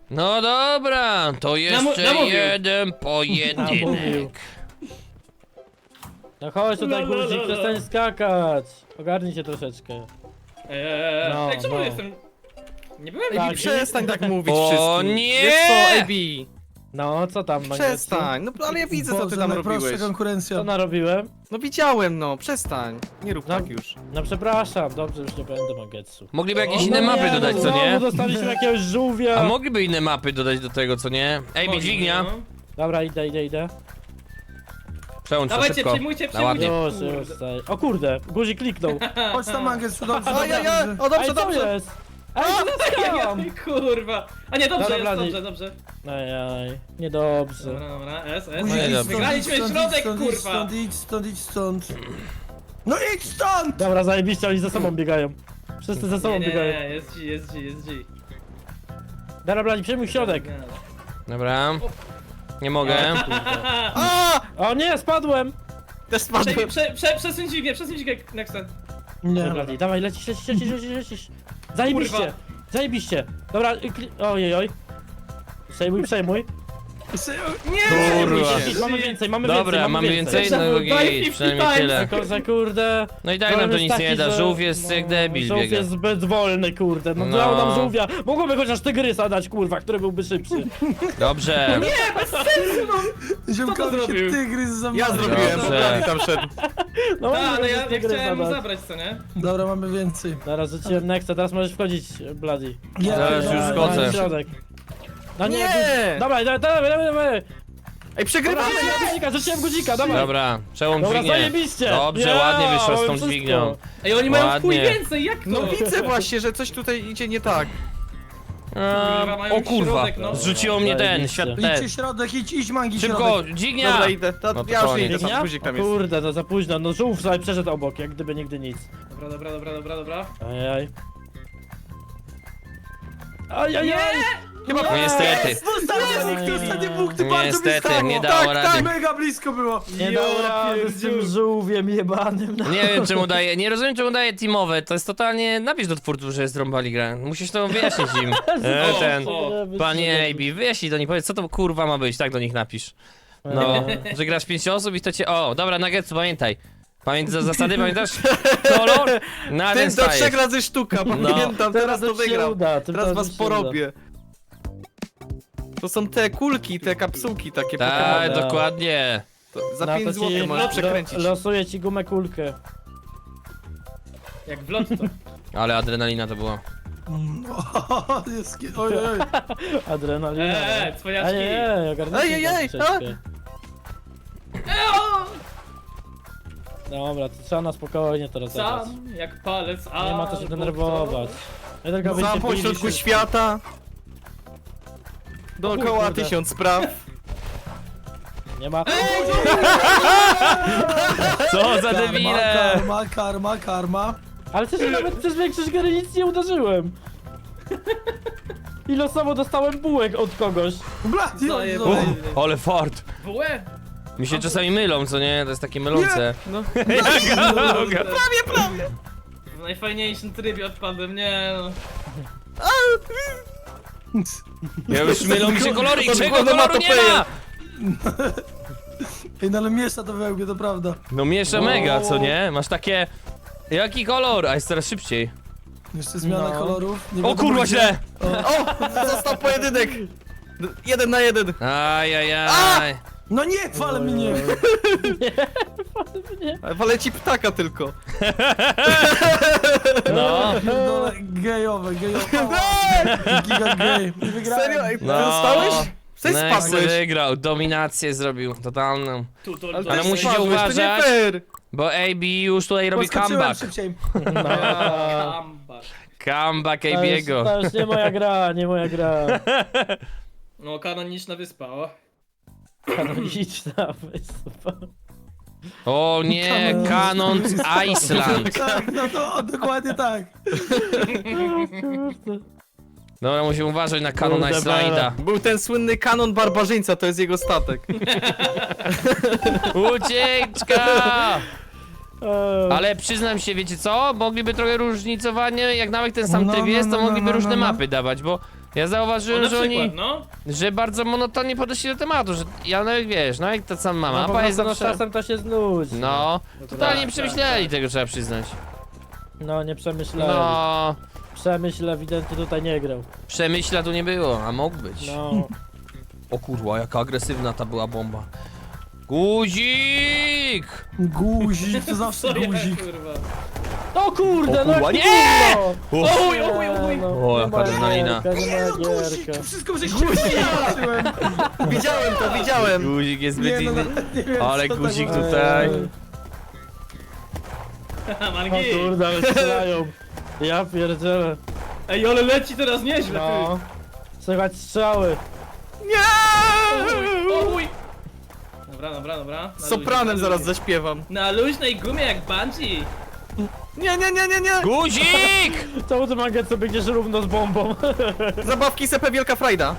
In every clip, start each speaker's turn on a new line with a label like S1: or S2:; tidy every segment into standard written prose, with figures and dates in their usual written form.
S1: No dobra, to jeszcze
S2: namówił.
S1: jeden
S3: Namówił.
S1: pojedynek.
S3: No chodź tutaj,
S2: La, la, la,
S3: guzik,
S2: la.
S3: przestań skakać. Ogarnij się troszeczkę. No,
S2: Ej, czemu
S3: no.
S2: jestem... Nie byłem
S3: Tak,
S2: nigdy.
S4: Przestań tak mówić
S1: O
S4: wszystkim.
S1: nie!
S4: Wiesz co, AB?
S3: No, co tam, Mangetsu?
S4: Przestań, no ale ja widzę co ty tam robiłeś.
S5: najprostsza konkurencja.
S3: Co narobiłem?
S4: No widziałem, no, przestań. Nie rób
S3: No.
S4: tak już.
S3: No przepraszam, dobrze, już nie będę Mangetsu.
S1: Mogliby jakieś
S2: O,
S1: inne
S2: no
S1: mapy
S3: nie,
S1: dodać,
S3: no
S1: co nie?
S3: znowu dostaliśmy jakiegoś żółwia.
S1: A mogliby inne mapy dodać do tego, co nie? Ej,
S2: Mogli,
S1: dźwignia.
S2: no.
S3: Dobra, idę.
S1: Przełącz to
S2: Dawajcie,
S1: szybko.
S2: przejmujcie,
S1: No ładnie.
S2: przejmujcie.
S3: Już, tutaj. O kurde, guzik kliknął.
S5: Chodź tam, Mangetsu, dobrze,
S4: Ajajaj,
S5: dobrze.
S4: o dobrze,
S3: Ej, co
S4: dobrze.
S3: jest? Ej, co jest?
S2: Kurwa. A nie, dobrze
S3: Dobra,
S2: jest,
S3: Blady.
S2: dobrze.
S3: Ajaj, niedobrze.
S2: Dobra, S.
S5: Guzik,
S1: nie,
S5: idź
S1: dobra.
S5: stąd,
S2: Wygraliśmy
S5: idź stąd,
S2: środek,
S5: idź stąd,
S2: kurwa.
S5: idź stąd. No idź stąd!
S3: Dobra, zajebiście, oni ze sobą biegają. Wszyscy ze sobą
S2: Nie,
S3: biegają.
S2: jest G.
S3: Dobra, Bladi, przejmuj środek.
S1: Dobra. Nie mogę.
S4: A!
S3: O nie, spadłem!
S4: Też spadłem.
S2: Przesuń dźwignię, Nexta.
S5: Nie,
S3: Dobra, Bladi, dawaj, lecisz. Zajebiście,
S5: Kurwa.
S3: zajebiście. Dobra, ojej. Przejmuj.
S1: Kurwa.
S3: Mamy
S1: Dobra, mamy więcej? No
S2: Daj
S1: git,
S2: 50
S1: przynajmniej tyle.
S3: Tylko, że kurde...
S1: No i tak nam to nic nie da, żółw jest jak debil
S3: Żółw
S1: biega.
S3: jest zbyt wolny, kurde. No
S1: No.
S3: dał nam żółwia. Mogłoby chociaż tygrysa dać, kurwa, który byłby szybszy.
S1: Dobrze.
S5: Ziomkowi się
S2: zrobił?
S5: tygrys za
S4: Ja
S5: mną.
S4: zrobiłem,
S1: Dobrze.
S4: bo Blady tam szedł.
S3: No,
S2: Tak, ale
S3: mogłoby
S2: ja
S3: tygrysa
S2: chciałem mu
S3: dać.
S2: zabrać, co nie?
S5: Dobra, mamy więcej.
S3: Teraz rzuciłem Nexta, teraz możesz wchodzić, Bloody.
S1: Zaraz już wchodzę.
S3: Środek. No nie,
S4: Nie!
S3: dawaj.
S4: Ej, przegrywamy!
S3: Rzuciłem guzika, dawaj.
S1: Dobra, przełącz
S3: Dobra,
S1: dźwignię.
S3: zajebiście.
S1: Dobrze,
S3: Ja,
S1: ładnie wyszła z
S3: mamy
S1: tą
S3: wszystko.
S1: dźwignią.
S2: Ej, oni mają w chuj
S1: Ładnie.
S2: więcej, jak to?
S4: No widzę właśnie, że coś tutaj idzie nie tak.
S2: mają
S1: O kurwa,
S2: środek, no.
S1: zrzuciło mnie ten, świat ten.
S5: Idźcie środek, idź Mangi
S1: Szybko,
S5: środek.
S1: dźwignia!
S4: Dobra, idę.
S1: No to
S4: Ja już
S1: koniec.
S4: idę, tam
S3: Biegnia?
S4: guzik tam
S3: O
S4: jest.
S3: kurde, to za późno. No żółw sobie przeszedł obok, jak gdyby nigdy nic.
S2: Dobra.
S3: Ajaj. Ajajaj!
S4: Chyba
S1: No niestety.
S5: Ostatni punkt, bardzo
S1: Niestety,
S5: blisko.
S1: nie dało rady.
S5: Mega blisko było.
S3: Nie dał rady z tym żółwiem jebanym. No.
S1: Nie wiem czemu daje, nie rozumiem czemu daje teamowe, to jest totalnie, napisz do twórców, że zrąbali grę. Musisz to wyjaśnić im. Panie AB, wyjaśnij do nich, powiedz co to kurwa ma być, tak do nich napisz. No, że grasz 5 osób i to cię, o, dobra, Nuggetsu, pamiętaj. Zasady, pamiętasz? Kolor? Na ten
S4: Ten do 3
S1: stajesz.
S4: razy sztuka, pamiętam, teraz to
S3: już się
S4: wygram.
S3: uda,
S4: Teraz was
S3: już się
S4: porobię. To są te kulki, te kapsułki takie
S1: Tak,
S4: Pokemony.
S3: Dobra.
S1: dokładnie.
S4: To Za
S3: uda.
S4: 5
S3: No to
S4: zł
S3: ci
S4: możesz przekręcić.
S3: Losuję ci gumę kulkę.
S2: Jak w lotto.
S1: Ale adrenalina to była.
S5: Oj.
S3: Adrenalina.
S2: cwaniaczki.
S3: Ej, ogarnijcie
S4: Ej,
S3: tam
S4: a?
S3: troszeczkę. Dobra, to trzeba na spokojnie to rozegrać.
S2: Sam, jak palec, a...
S3: Nie ma co się denerwować. Ja tylko
S4: Za
S3: byście
S4: pośrodku
S3: pili się-
S4: świata. Dookoła
S3: kurde.
S4: 1000 spraw.
S3: Nie ma.
S1: Co za debile!
S5: Karma.
S3: Ale przecież nawet przez większość gry nic nie uderzyłem. I losowo dostałem bułek od kogoś.
S5: Blady,
S2: Zajebany.
S1: Ale fart!
S2: Łe!
S1: Mi się czasami mylą, co nie? To jest takie mylące.
S4: No.
S2: Prawie! W najfajniejszym trybie odpadłem, nie no.
S1: Ja już mylą mi się kolory i
S4: Od
S1: czego
S4: głowy
S1: koloru nie ma!
S5: Ej, no ale miesza to wełbie, to prawda.
S1: No miesza mega, co nie? Masz takie... Jaki kolor? A jest coraz szybciej.
S5: Jeszcze zmiana
S3: No.
S5: kolorów. Nie
S1: O
S5: wiadomo
S1: kurwa
S5: gdzie.
S1: źle!
S4: O! Został pojedynek! 1 na 1.
S1: Ajajaj.
S5: No nie, wale mnie.
S4: Ale ci ptaka tylko.
S1: No.
S5: Dole, gejowe. Giga gej. Nie wygrałem.
S4: Serio? Ej,
S1: No.
S4: dostałeś? Coś
S1: Next
S4: spadłeś.
S1: wygrał, dominację zrobił, totalną.
S4: Ale
S1: Ale
S4: też
S1: musicie
S4: spadłeś, to nie
S1: uważać.
S4: fair.
S1: Bo AB już tutaj robi
S5: Podskoczyłem
S1: comeback.
S5: szybciej.
S2: Comeback.
S1: Comeback
S3: To już,
S1: AB'ego.
S3: to już nie moja gra, nie moja gra.
S2: No, kanoniczna wyspa, o.
S3: Kanoniczna wyspa.
S1: O nie, Canon Iceland.
S5: Tak, no to dokładnie tak.
S1: Dobra, musimy uważać na Canon
S3: Kurde,
S1: Icelanda.
S4: Był ten słynny kanon barbarzyńca, to jest jego statek.
S1: Ucieczka!
S3: Eee,
S1: Ale przyznam się, wiecie co? Mogliby trochę różnicowanie, jak nawet ten sam
S5: No,
S1: tryb jest, to
S5: no, no,
S1: mogliby
S5: no,
S1: różne
S5: no.
S1: mapy dawać, bo Ja
S2: O,
S1: zauważyłem,
S2: na
S1: że
S2: przykład,
S1: oni,
S2: no.
S1: że bardzo monotonnie podeszli do tematu, że ja nawet wiesz, no jak ta sama
S3: No, po
S1: mapa jest
S3: prostu, no,
S1: zawsze...
S3: czasem to się znudzi.
S1: No, totalnie nie
S2: tak,
S1: przemyśleli
S2: tak.
S1: tego, trzeba przyznać.
S3: No, nie przemyślałem.
S1: No,
S3: Przemyśl ewidentnie tutaj nie grał.
S1: przemyśla tu nie było, a mógł być.
S3: No.
S1: O kurwa, jaka agresywna ta była bomba. Guzik!
S5: Guzik, to zawsze
S2: Co ja,
S5: guzik.
S2: kurwa.
S3: O kurde,
S1: O
S3: no
S1: kurwa,
S3: jaki
S1: nie!
S3: gówno!
S2: Oj, oj, oj.
S3: No,
S1: O,
S3: nie
S1: jaka
S3: ma
S1: adrenalina.
S3: gierka, nie ma
S5: Guzik,
S3: gierka.
S5: wszystko żeś przeświadczyłem.
S4: Widziałem to, widziałem.
S1: Guzik jest
S5: Nie,
S1: zbyt
S5: no
S1: inny.
S5: nawet nie wiem,
S1: Ale
S5: co to
S1: guzik
S5: było.
S1: tutaj.
S3: O
S2: Mangi.
S3: kurde, ale strzelają. Ja pierdzielę.
S2: Ej, ale leci teraz nieźle,
S3: No. Słychać strzały.
S2: ty. Oj. Dobra. Na
S4: Z sopranem
S2: luźnej-
S4: zaraz zaśpiewam.
S2: Na luźnej gumie jak bungee.
S4: Nie.
S1: Guzik!
S3: Czemu ty Manget sobie biegniesz równo z bombą?
S4: Zabawki Sepe Wielka Frajda.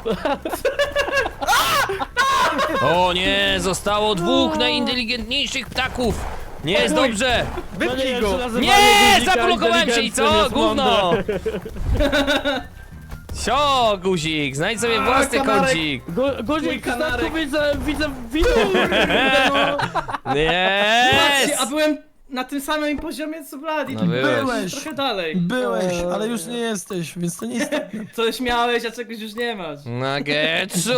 S1: O nie, zostało dwóch najinteligentniejszych ptaków. Nie jest dobrze.
S4: Wypnij go.
S1: Nie, zablokowałem się i co? Gówno. Sio, guzik, znajdź sobie własny
S4: kanarek.
S1: kącik.
S3: Guzik,
S2: Mój kanarek.
S3: widzę,
S2: Patrzcie, a
S1: Yes!
S2: byłem na tym samym poziomie co Vladi.
S1: No
S2: tylko
S1: byłeś.
S2: trochę dalej.
S5: Byłeś, ale już nie jesteś, więc to nie jest...
S2: Coś miałeś, a czegoś już nie masz.
S1: Nagetsu!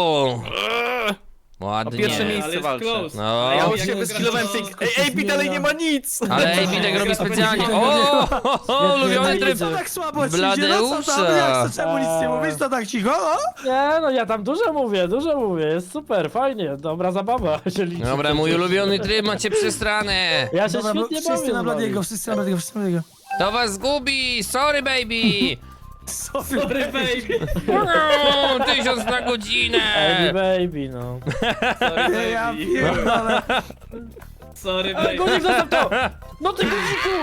S4: O
S1: Ładnie.
S4: pierwsze miejsce
S2: ale jest
S4: walczę.
S2: close.
S1: No.
S2: A
S4: Ja
S2: jak
S4: już się
S2: gra-
S4: wyskilowałem tej... Ej, AB dalej nie ma nic!
S1: Ale AB tak robi specjalnie. O, ulubiony tryb.
S5: Co tak słabo ci idzie? No co
S1: Bladeusza.
S5: tam? Jak to czemu nic nie mówisz? To tak cicho? O?
S3: Nie no, ja tam dużo mówię, jest super, fajnie, dobra zabawa się liczy.
S1: Dobra, mój ulubiony tryb macie przestranę.
S3: Ja się
S5: Dobra,
S3: świetnie bawię.
S5: wszyscy na
S3: z wami.
S5: Bladiego, wszyscy na Bladiego, wszyscy na Bladiego.
S1: To was zgubi, sorry baby.
S5: Sorry.
S2: Sorry, baby.
S1: 1000 na godzinę.
S3: Baby, baby, no.
S2: Sorry,
S5: Ja
S2: baby.
S5: pierdolę.
S2: Sorry,
S3: Ale
S2: baby.
S3: guzik, zostaw to! No ty guziku!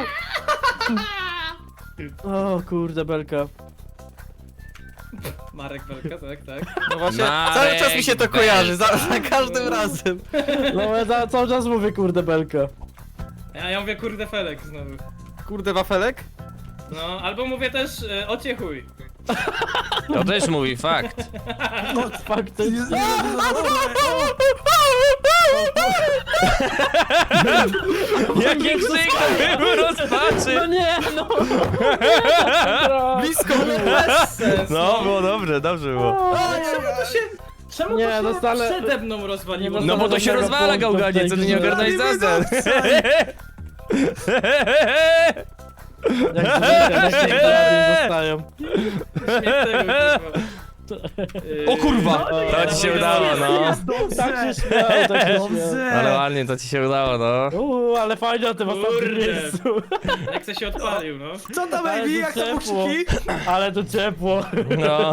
S3: O kurde, belka.
S2: Marek Belka, tak.
S4: No właśnie,
S1: Marek
S4: cały czas mi się to
S1: Belka.
S4: kojarzy, za każdym razem.
S3: No ja cały czas mówię kurde, belka.
S2: Ja mówię kurde Felek znowu.
S4: Kurde, wafelek?
S2: No, albo mówię też ocie chuj.
S1: To też mówi fakt.
S3: Faktycznie.
S1: Jaki krzyk to był
S3: No
S1: rozpaczy.
S3: nie, no!
S4: Blisko mnie.
S2: Bez sens,
S1: No, było dobrze, dobrze było.
S2: Ale czemu to się... Czemu
S3: Nie,
S2: to się
S3: dostanę-
S2: przede mną rozwaliło?
S3: Nie
S1: No bo to się
S3: Żadnego
S1: rozwala
S3: punktu w
S1: gałganie,
S3: tej
S1: co ty nie
S3: grze.
S1: ogarnąłeś zasad.
S3: Jak zwykle, nie zostają.
S2: Śmiech tego, kurwa.
S1: O kurwa,
S3: No,
S1: to ci się udało, no.
S3: Tak się śmiał, tak się śmiał.
S1: Ale ładnie, to ci się udało, no.
S3: Ale fajnie o tym ostatnim
S2: Kurde.
S3: miejscu.
S2: Jak się odpalił, no.
S5: Co tam,
S3: Ale
S5: baby?
S3: tu
S5: Jak tam
S3: ciepło.
S5: buksiki?
S3: Ale tu ciepło.
S1: No.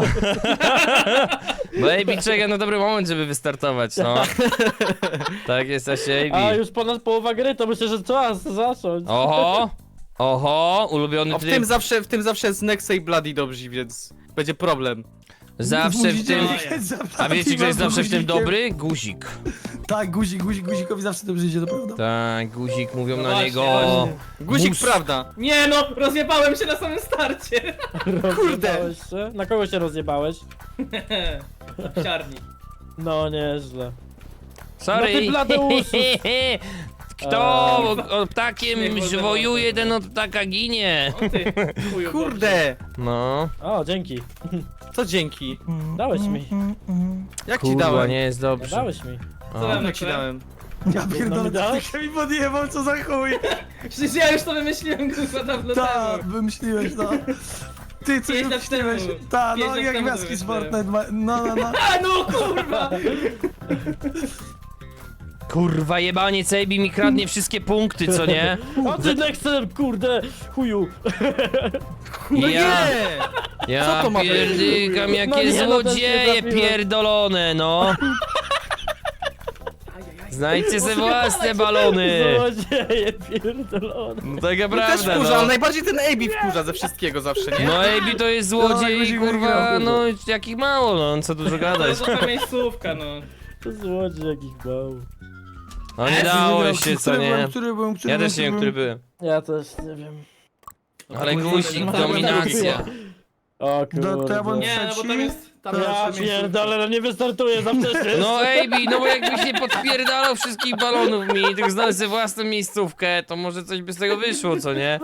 S1: Baby czeka na dobry moment, żeby wystartować, no. Tak jest, Asie
S3: A
S1: AB.
S3: już ponad połowa gry, to myślę, że czas zacząć.
S1: Oho, oho, ulubiony
S4: O, w tym zawsze z Nexa i Bloody dobrzy, więc będzie problem.
S1: Zawsze w
S5: Musicie
S1: tym...
S5: jechać za
S1: A wiecie, kto jest
S5: Bladiego
S1: zawsze w tym
S5: guzikiem.
S1: dobry? Guzik.
S5: Tak, guzikowi zawsze dobrze idzie, to prawda.
S1: Tak, guzik, mówią na
S2: Właśnie,
S1: niego...
S2: właśnie.
S4: Guzik,
S1: Mus.
S4: prawda.
S2: Nie no, rozjebałem się na samym starcie.
S3: Rozjebałeś się? Na kogo się rozjebałeś?
S2: W siarni.
S3: No nieźle.
S1: Sorry.
S3: No ty Bladeuszu.
S1: Kto o ptakiem
S2: Śmiech
S1: żwojuje, ten od ptaka ginie.
S2: O ty, chuju.
S4: Kurde,
S1: No.
S3: O, dzięki.
S4: co dzięki?
S3: Dałeś mi.
S4: Jak ci
S1: Kurwa,
S4: dałem?
S1: nie jest dobrze.
S3: Dałeś mi.
S1: O.
S2: Co
S4: Jak ci dałem?
S5: Ja
S3: No
S5: pierdolę,
S3: mi dałeś?
S5: ty mi podjebał, co za chuj.
S2: Przecież ja już to wymyśliłem kurwa dawno
S5: Tak,
S2: temu.
S5: wymyśliłeś, no. Ty coś
S2: 5 lat
S5: wymyśliłeś.
S2: temu.
S5: Tak,
S2: 5
S5: no
S2: lat
S5: jak
S2: temu
S5: gwiazdki z
S2: wymyśliłem.
S5: Fortnite, no.
S2: A no kurwa!
S1: Kurwa, jebanie Cejbi mi kradnie wszystkie punkty, co nie?
S3: O ty Nexem, kurde, chuju.
S4: No
S1: Ja,
S4: nie!
S1: ja
S4: Co to ma być?
S1: pierdykam,
S3: No
S1: jakie
S3: nie, no też nie
S1: złodzieje
S3: trafiłem.
S1: pierdolone, no. Znajdźcie sobie własne balony.
S3: Złodzieje pierdolone.
S1: No taka
S4: Też
S1: prawda,
S4: wkurza, ale
S1: no.
S4: najbardziej ten AB wkurza ze wszystkiego zawsze, nie?
S1: No AB to jest złodziej,
S5: guzik
S1: kurwa,
S5: wygrał.
S1: no jakich mało, no, co dużo
S2: To
S1: gadać.
S2: jest taka miejscówka, no.
S3: To złodziej jakich bał.
S1: No nie dało się, co nie?
S5: Który byłem?
S1: Ja też nie wiem, który byłem.
S3: Ja też nie wiem.
S1: Ale guzik, dominacja.
S3: O
S5: To ja bym-
S3: kurde.
S2: Nie, no bo tam jest... Tam
S5: To
S2: jest
S3: Ja
S2: jeszcze miejsce.
S3: pierdolę, no nie wystartuję za wcześnie.
S1: No AB, no bo jakbyś nie podpierdalał wszystkich balonów mi, tylko znalazł sobie własną miejscówkę, to może coś by z tego wyszło, co nie?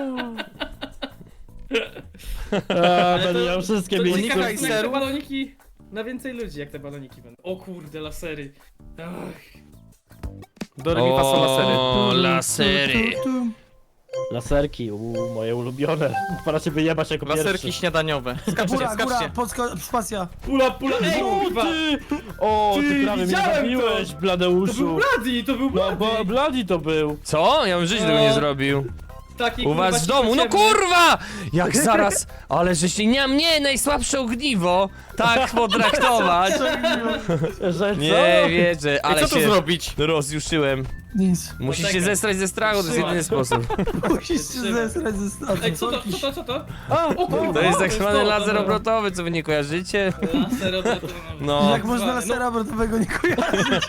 S3: Będę miał wszystkie
S2: To
S4: Unikaj
S3: miejsca.
S2: ciekawe, jak te
S4: serów.
S2: baloniki... Na więcej ludzi, jak te baloniki będą. O kurde, lasery. Ach.
S4: Do remi fa sol la sery.
S1: O, lasery.
S3: Laserki, moje ulubione. Pora się wyjebać jako
S4: Laserki
S3: pierwszy.
S4: śniadaniowe. Skaczcie,
S5: Góra,
S4: skaczcie.
S5: spacja.
S2: Pula, ej,
S3: O
S2: kurwa!
S3: ty! O, ty
S2: Ty,
S3: prawie mnie
S2: widziałem
S3: zabiłeś,
S2: To był
S3: Bladeuszu.
S2: Bloody, to był
S3: No,
S2: Bloody!
S3: bo Bloody to był.
S1: Co? Ja bym żyć tego nie zrobił.
S2: Taki,
S1: U
S2: kurwa,
S1: was w domu, no
S2: ciemny.
S1: kurwa! Jak zaraz, ale żeście nie mnie najsłabsze ogniwo tak potraktować.
S3: Że co?
S1: Nie wierzę,
S4: I
S1: ale
S4: co tu
S1: się
S4: zrobić?
S1: rozjuszyłem.
S5: Nic.
S1: Musisz się
S2: Poczekaj.
S1: zestrać ze strachu, to jest
S2: Trzymaj.
S1: jedyny sposób.
S5: Musisz się
S2: Trzymaj.
S5: zesrać ze stanu.
S2: Ej, co to?
S3: A,
S2: O kurwa!
S1: To jest tak
S2: to
S1: zwany
S2: to,
S1: laser
S2: dobra.
S1: obrotowy, co wy nie kojarzycie?
S2: Laser obrotowy.
S1: No,
S5: Jak można lasera obrotowego nie kojarzyć?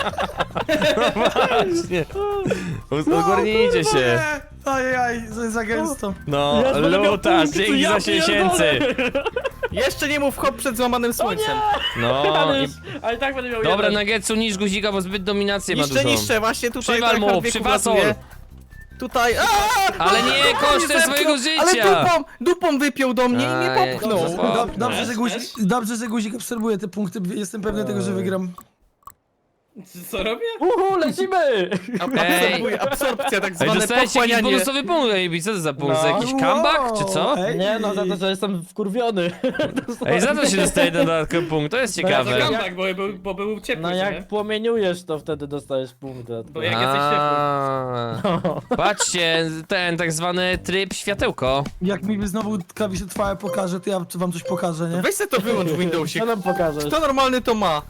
S1: właśnie. Ogarnijcie się.
S5: Ajajaj, za gęsto.
S1: No,
S3: Jest, będę miał
S1: luta,
S3: punkty,
S1: dzięki
S3: ja
S1: za siesięcy.
S3: pierdolę.
S4: Jeszcze nie mów hop przed złamanym słońcem.
S1: No,
S3: Ale,
S1: i...
S3: już, ale i tak będę miał
S1: Dobra,
S3: jeden.
S1: Nuggetsu, niż guzika, bo zbyt dominację ma dużą.
S4: Niszczę, właśnie tutaj.
S1: Przywal
S4: tryhard
S1: mu,
S4: wieku
S1: przywasol.
S4: latuje. Tutaj.
S1: Ale nie kosztem
S4: zepchnął,
S1: swojego
S4: Ale
S1: życia.
S4: dupą wypiął do mnie i mnie
S1: Aj,
S4: popchnął.
S1: dobrze, dobrze.
S5: Dobrze, że guzik obserwuje te punkty. Jestem pewny tego, że wygram.
S2: Co robię?
S3: Lecimy!
S4: Absorpcja, tak
S1: Ej,
S4: zwane
S1: dostałeś jakiś
S4: pochłanianie.
S1: bonusowy punkt, AB, co to za punkt?
S3: No.
S1: Za jakiś comeback, czy co?
S5: Ej.
S3: Nie no, za to, że jestem wkurwiony.
S1: Ej, za to się dostaje ten dodatkowy punkt, to jest
S2: Za
S1: ciekawe.
S2: comeback, bo był ciepły,
S3: No
S2: nie?
S3: jak płomieniujesz, to wtedy dostajesz punkt.
S2: Bo jak jesteś ciepły.
S1: Patrzcie, ten tak zwany tryb światełko.
S5: Jak mi znowu klawisze trwałe pokaże, to ja wam coś pokażę, nie?
S4: Weź se to wyłącz w Windowsie.
S3: Co nam pokażesz?
S4: Kto normalny to ma?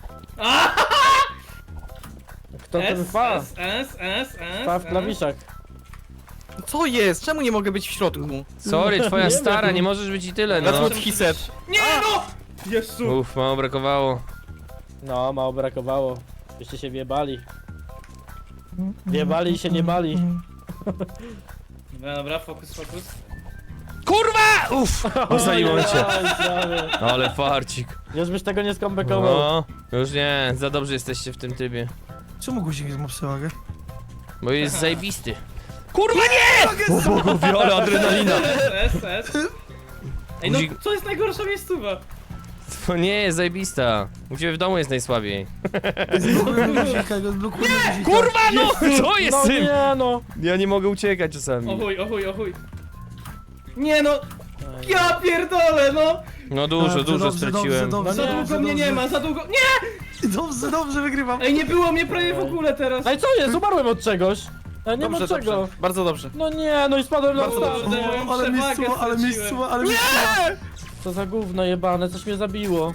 S3: Kto ten fa?
S2: S.
S3: Fa w klawiszach.
S4: Co jest? Czemu nie mogę być w środku?
S1: Sorry, twoja
S3: Nie
S1: stara,
S3: wiem.
S1: nie możesz być i tyle,
S4: That's
S1: no.
S4: what he said.
S2: Nie no! Jezu!
S1: Uff, mało brakowało.
S3: No, mało brakowało. Byście się wjebali. Wjebali i się nie bali.
S2: Dobra, fokus.
S1: Kurwa! Uff, ocaliło cię.
S3: Oj, prawie.
S1: Ale farcik.
S3: Już byś tego nie skombekował.
S1: No, już nie, za dobrze jesteście w tym trybie.
S5: Czemu guzik ma przewagę?
S1: Bo jest zajebisty. Kurwa nie! O bogowie, ale adrenalina.
S2: S. Ej, no
S1: Guzik-
S2: co jest najgorsza miejscowa?
S1: To nie jest zajebista. U ciebie w domu jest najsłabiej.
S5: Zblokujmy guzika.
S1: Kurwa no! Co jest
S3: No
S1: z tym?
S3: nie no.
S1: Ja nie mogę uciekać czasami.
S2: O chuj. Nie no! Ja pierdolę, no!
S1: No dużo straciłem.
S3: No
S2: Za
S3: nie,
S2: długo mnie nie ma, za długo... Nie!
S5: Dobrze, wygrywam.
S2: Ej, nie było mnie prawie w ogóle teraz!
S3: Ej, co jest? Umarłem od czegoś. Nie ma
S4: Dobrze,
S3: czego.
S4: dobrze. Bardzo dobrze.
S3: No nie, no i spadłem na
S4: Bardzo
S3: stan.
S4: dobrze.
S2: Moją
S5: Ale
S2: przewagę
S5: miejscowa, ale
S2: straciłem.
S5: miejscowa.
S3: Co za gówno jebane, coś mnie zabiło.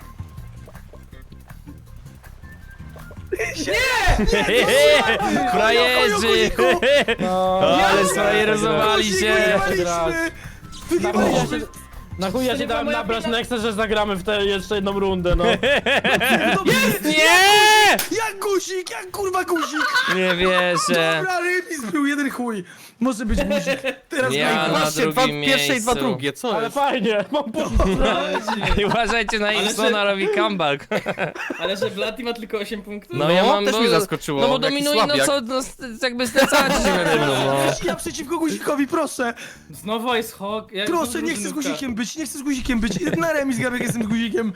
S1: Frajerzy!
S3: No,
S1: Ale sfrajerozowali się!
S5: Wygrywaliśmy!
S3: Na chuj ja
S2: To
S3: się
S2: nie
S3: dałem
S2: była moja
S3: nabrać
S2: wina.
S3: Nexa, że zagramy w tę jeszcze jedną rundę, no.
S1: Nie!
S5: Jak guzik, jak kurwa guzik!
S1: Nie wierzę.
S5: Dobra, remis był jeden chuj. Może być guzik. Teraz
S1: Ja
S5: graj.
S1: na
S4: Właśnie, dwa
S1: drugim
S4: pierwsze i dwa
S1: miejscu.
S4: drugie, co
S3: Ale
S4: jest?
S3: fajnie, mam punkt.
S1: I uważajcie na Imsona, robi comeback.
S2: Ale że Bloody ma tylko 8 punktów?
S1: No ja mam...
S4: też
S1: bo-
S4: mnie zaskoczyło.
S1: No bo
S4: jaki
S1: dominuje, no
S4: słabiak.
S1: co, no jakby zlecacie się nade mną, no.
S5: Ja przeciwko guzikowi, proszę!
S2: Znowu jest Hawk. Ja
S5: Proszę,
S2: jestem
S5: nie chcę z
S2: drużynówka.
S5: guzikiem być, nie chcę z guzikiem być. Na remis gram, jak jestem z guzikiem.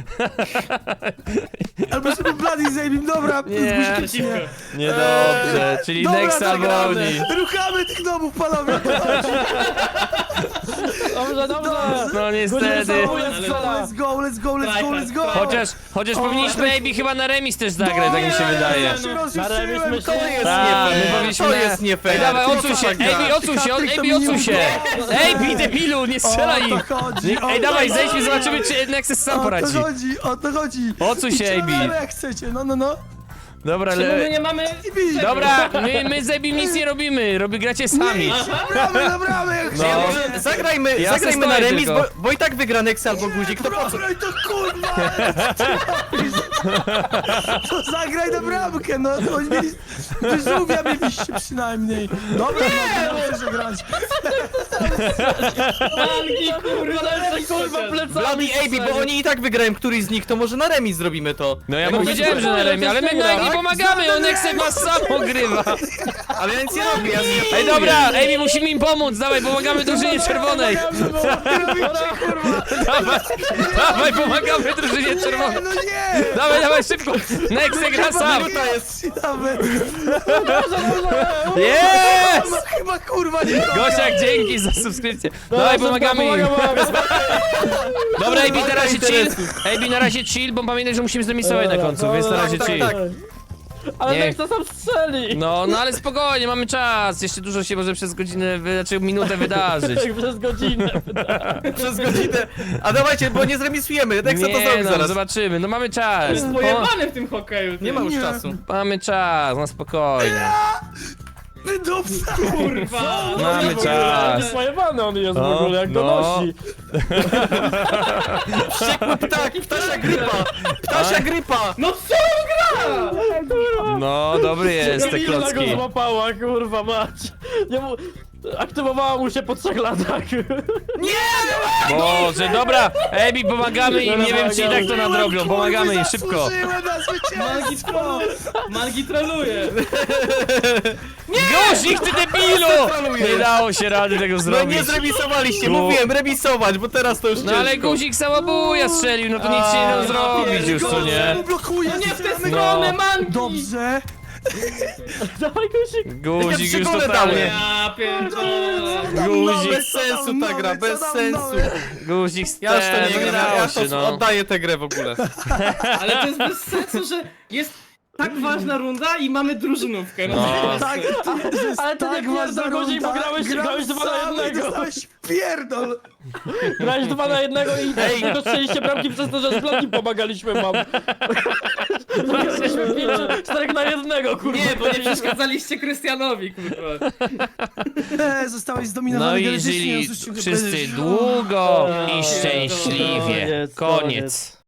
S5: Albo sobie Bloody zajmim, dobra, z
S1: Nie.
S5: guzikiem czy
S2: Przeciwko.
S5: nie.
S1: Niedobrze, czyli
S5: Dobra,
S1: Nexa
S5: przegramy.
S1: woli.
S5: Ruchamy tych domów, panowie!
S3: Dobrze, dobrze.
S1: No niestety.
S5: Let's go, let's go, let's go, let's go!
S1: Chociaż powinniśmy AB chyba na remis też zagrać, tak mi się wydaje.
S5: Ja się rozjuszyłem,
S3: Na remis
S4: To
S3: myślę-
S4: jest
S1: Tak,
S4: nie
S1: my
S4: fair.
S1: powinniśmy
S4: To
S1: na-
S4: jest nie fair.
S1: Ej, dawaj,
S4: Ty
S1: odsuń się,
S4: co tak
S1: AB, odsuń się,
S5: Patryk, to
S1: AB,
S5: mi
S1: odsuń
S5: nie
S1: się! AB, debilu, nie strzelaj im!
S5: O to chodzi,
S1: Nie-
S5: o
S1: Ej,
S5: to
S1: dawaj,
S5: chodzi.
S1: zejdźmy, zobaczymy, czy Nexus sam poradzi.
S5: O to chodzi!
S1: Odsuń się,
S5: Idźcie na
S1: AB.
S5: lewo, jak chcecie, no.
S1: Dobra,
S2: Czemu my
S1: ale...
S2: nie mamy...
S1: Dobra, my z Abim nic nie robimy, gracie sami.
S5: Bramy, na bramę, jak
S1: No.
S5: chcecie!
S4: Zagrajmy
S1: Ja
S4: na
S1: stoję
S4: remis,
S1: tylko.
S4: bo i tak wygra Nexa albo Guzik, to po co?
S5: Dobra, to kurwa! To zagraj na bramkę, no. Oni mieli... Wyżółwia mieliście przynajmniej. Dobra, no, muszę grać.
S2: Mangi, kurwa,
S3: Kurwa, plecami
S4: Bloody AB, bo oni i tak wygrają któryś z nich, to może na remis zrobimy to.
S1: No ja
S4: No
S1: powiedziałem, że na remie, ale my Nagi pomagamy, on Nexek was sam ogrywa.
S4: Ale ja nic nie robię, ja nie...
S1: Ej, dobra, Amy, musimy im pomóc, dawaj, pomagamy drużynie czerwonej. Dawaj, dawaj, pomagamy drużynie czerwonej.
S5: No nie!
S1: Dawaj, dawaj, szybko. Nexek gra sam.
S4: Minuta jest.
S5: Nawet.
S1: Jest!
S5: No chyba kurwa nie
S1: Gosiak, dzięki za subskrypcję. Dawaj, pomagamy im. Dobra, AB, na razie chill. AB, na razie chill, bo pamiętaj, że musimy zremisować na końcu, więc na razie
S4: tak,
S1: chill.
S4: tak.
S3: Ale
S1: Nie.
S3: Nexa sam strzeli!
S1: No, no ale spokojnie, mamy czas. Jeszcze dużo się może przez godzinę, znaczy minutę wydarzyć.
S3: Przez godzinę.
S4: Przez godzinę. A dawajcie, bo nie zremisujemy, Nexa to zrobi
S1: no,
S4: zaraz.
S1: zobaczymy, no mamy czas.
S2: Jest pojebany w tym hokeju. ty.
S4: Nie ma już czasu.
S1: Mamy czas, no spokojnie.
S5: Wydupca!
S2: Kurwa.
S1: Mamy czas.
S3: Pojebany on jest w
S1: No,
S3: ogóle, jak
S1: no.
S3: donosi.
S4: Wściekły ptak, ptasia grypa! Ptasia grypa!
S2: No co on gra?
S1: No, dobry jest te
S3: Kamila go
S1: klocki.
S3: złapała, kurwa mać. Nie mu... Aktywowała mu się po 3 latach.
S1: Boże, dobra, Ebi, pomagamy im, nie wiem czy i tak to nadrobią, pomagamy im, szybko.
S5: Zasłużyłem na zwycięstwo!
S2: Mangi troluje.
S1: Gosik, ty debilu! Nie dało się rady tego
S4: No
S1: zrobić.
S4: nie zremisowaliście,
S1: No.
S4: mówiłem remisować, bo teraz to już
S1: No ale
S4: ciężko.
S1: guzik samobuja strzelił, no to nic się nie da zrobić już, co nie?
S5: Blokuję!
S2: No nie w tę
S5: no.
S2: stronę, Mangi.
S5: Dobrze!
S3: Dawaj Gusik.
S1: Guzik już
S4: przygodę
S1: totalnie.
S2: Ja pierdolę.
S1: Guzik,
S4: Bez sensu ta gra, bez sensu.
S1: guzik
S4: Ja już to nie gram,
S1: wydało
S4: ja
S1: się,
S4: to
S1: no.
S4: oddaję tę grę w ogóle.
S2: Ale to jest bez sensu, że jest tak ważna runda i mamy drużynówkę. No.
S1: No.
S5: Tak,
S3: Ale to nie pierdol Guzik, bo grałeś 2 na 1.
S5: Dostałeś pierdol!
S3: Grałeś 2 na 1 i tylko strzeliście bramki przez to, że z Bloody pomagaliśmy wam. Jesteśmy 4 na 1, kurwa.
S2: Nie, bo nie przeszkadzaliście Krystianowi, kurwa.
S5: Zostałeś
S1: No
S5: zdominowany
S1: i
S5: genetycznie,
S1: żyli
S5: już się
S1: wszyscy
S5: będziesz-
S1: długo i
S3: Koniec,
S1: szczęśliwie.
S3: koniec.
S1: Koniec.